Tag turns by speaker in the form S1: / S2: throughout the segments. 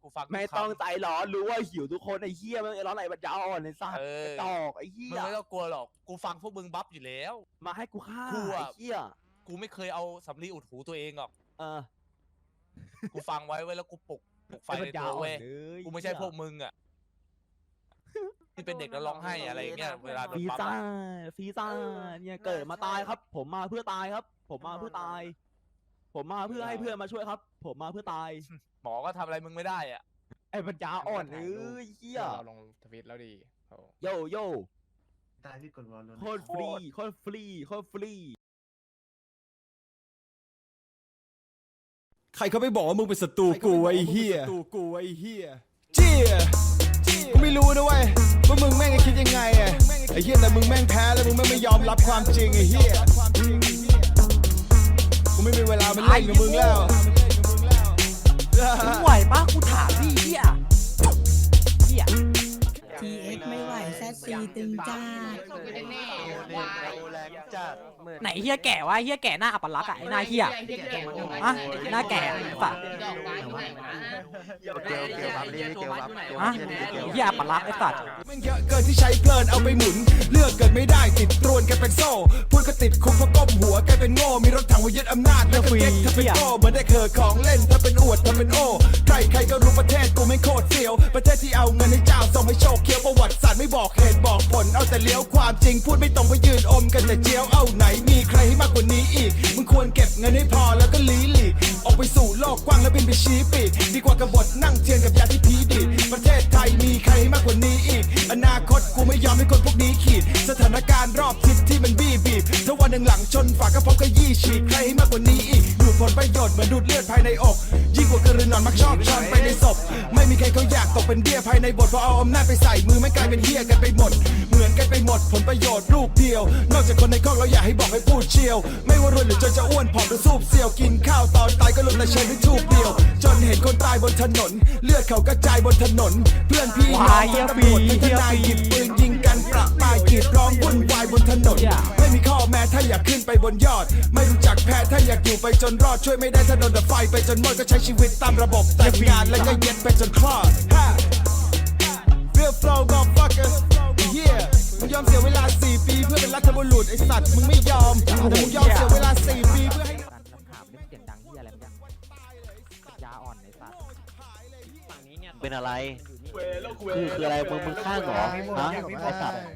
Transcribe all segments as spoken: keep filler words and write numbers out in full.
S1: กูฟัง
S2: ไม่ต้องใจร้อนรู้ว่าหิวทุกคนไอ้เหี้ยไม่ร้อนไหนบัดยาอ่อนในสัตว์กระจอกไอ้เหี้ย
S1: มึงไม่ต้องกลัวหรอกกูฟังพวกมึงบัฟอยู่แล้ว
S2: มาให้กูฆ่า
S1: กู
S2: ไอ้
S1: อะ
S2: เหี้ย
S1: กูไม่เคยเอาสำลีอุดหูตัวเองหรอก
S2: เออ
S1: กูฟังไว้ไว้แล้วกูปลุกปลุกไฟในตัวเว้ยกูไม่ใช่พวกมึงอ่ะที่เป็นเด็กแล้วร้องไห้อะไรเงี้ยเวลาโดน
S2: ฟี
S1: ปั๊ม
S2: ซ่าฟีซ่าเนี่ยเกิดมาตายครับ ผมมาเพื่อตายครับ ผมมาเพื่อตาย ผมมาเพื่อให้เพื่อนมาช่วยครับ ผมมาเพื่อตาย
S1: หมอก็ทำอะไรมึงไม่ได้อ่ะ
S2: ไอ้ปัญญาอ่อนเอ้ยเหี้ย
S3: เราลงทวิตแล้วดีโ
S2: โยโย่
S4: ตายพี่กดวอลลุ่น
S2: โคตรฟรีโคตรฟรีโคตรฟรี
S5: ใครเขาไม่บอกว่ามึงเป็นศัตรูกูไอ้เหี้ยศัตรูกูไอ้เหี้ยเจี๊ยกูไม่รู้นะเว้ยว่ามึงแม่งจะคิดยังไงอะไอ้เหี้ยแต่มึงแม่งแพ้แล้วมึงแม่งไม่ยอมรับความจริงไอ้เหี้ยกูไม่มีเวลามาเล่นกับมึงแล้ว
S6: มึงไหวปะกูถามพี่เฮียเฮีย
S7: ที เอ็กซ์ ไม่ไหวแซดซีตึงจ้า
S6: ไหนเฮียแก่วะเฮียแก่หน้าอัปลักษณ์อะไอ้หน้าเฮียอะหน้าแก่ปะอะเฮียอัปลักษณ์ไอ้สัตว์
S5: แม่งเยอะเกินที่ใช้เพลินเอาไปหมุนเลือกเกินไม่ได้ติดตรวนกันเป็นโซ่พูดก็ติดคุกเพราะก้มหัวกลายเป็นโง่มีรถถังมายึดอำนาจแล้วก็เก็ตถ้าเป็นโง่เหมือนได้เคอของเล่นถ้าเป็นอวดถ้าเป็นโอ้ใครใครก็รู้ประเทศกูไม่โคตรเสียวประเทศที่เอาเงินให้เจ้าส่งให้โชคเคี้ยวประวัติศาสตร์ไม่บอกเหตุบอกผลเอาแต่เลี้ยวความจริงพูดไม่ตรงไปยืนอมกันแต่เจียวเอาไหนมีใครให้มากกว่านี้อีกมึงควรเก็บเงินให้พอแล้วก็ลีหลีกออกไปสู่โลกกว้างแล้วบินไปชี้ปีกดีกว่ากบฏนั่งเทียนกับยาที่พีดีดประเทศไทยมีใครให้มากกว่านี้อีกอนาคตกูไม่ยอมให้คนพวกนี้ขีดสถานการณ์รอบทิศที่มันบี้บีบถ้าวันหนึ่งหลังชนฝากกระเพาะก็ยี่ฉีกใครให้มากกว่านี้อีกดูดผลประโยชน์เหมือนดูดเลือดภายในอกยิ่งกว่ากระรือนอนมักชอบช้อนไปในศพไม่มีใครเขาอยากตกเป็นเบี้ยภายในบทเพราะเอาอำนาจไปใส่มือไม่กลายเป็นเหี้ยกันไปหมดเหมือนกันไปหมดผลประโยชน์ลูกเดียวนอกจากคนในครอบเราอยากให้บอกให้พูดเชียวไม่ว่ารวยหรือจนจะอ้วนผอมหรือสูบเซียวกินข้าวตอนตายก็ลงแต่เชิญด้วยทูบเดียวจนเห็นคนตายบนถนนเลือดเขากระจายบนถนนเพื่อนพี่น้องทั้งตำรวจทั้งทนายหยิบปืนยิงกันประปรายกรีดร้องวุ่นวายบนถนนไม่มีข้อแม้ถ้าอยากขึ้นไปบนยอดไม่รู้จักแพ้ถ้าอยากอยู่ไปจนรอดช่วยไม่ได้ถ้าโดนดับไฟไปจนหมดก็ใช้ชีวิตตามระบบแต่งงานแล้วก็เย็ดไปจนคลอด Real flow motherfucker yeah มึงยอมเสียเวลาสี่ปีเพื่อเป็นรัฐบุรุษไอสัตว์มึงไม่ยอมแต่มึงยอมเสียเวลาสี่ปีเพื่อให้
S6: การถามเรื่องเสียงดังเฮียอะไรมันยาอ่อนไอ้สัตว์ฝั่งนี้เนี่ย
S8: เป็นอะไรคือคืออะไรมึงมึงข้างเหรอฮะไอสัตว์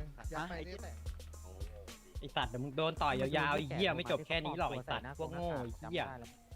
S9: ไอสัตว์เดี๋ยวมึงโดนต่อยยาวๆไอ้เหี้ยไม่จบแค่นี้หรอกไอสัตว์พวกโง่ไอ้เหี้ย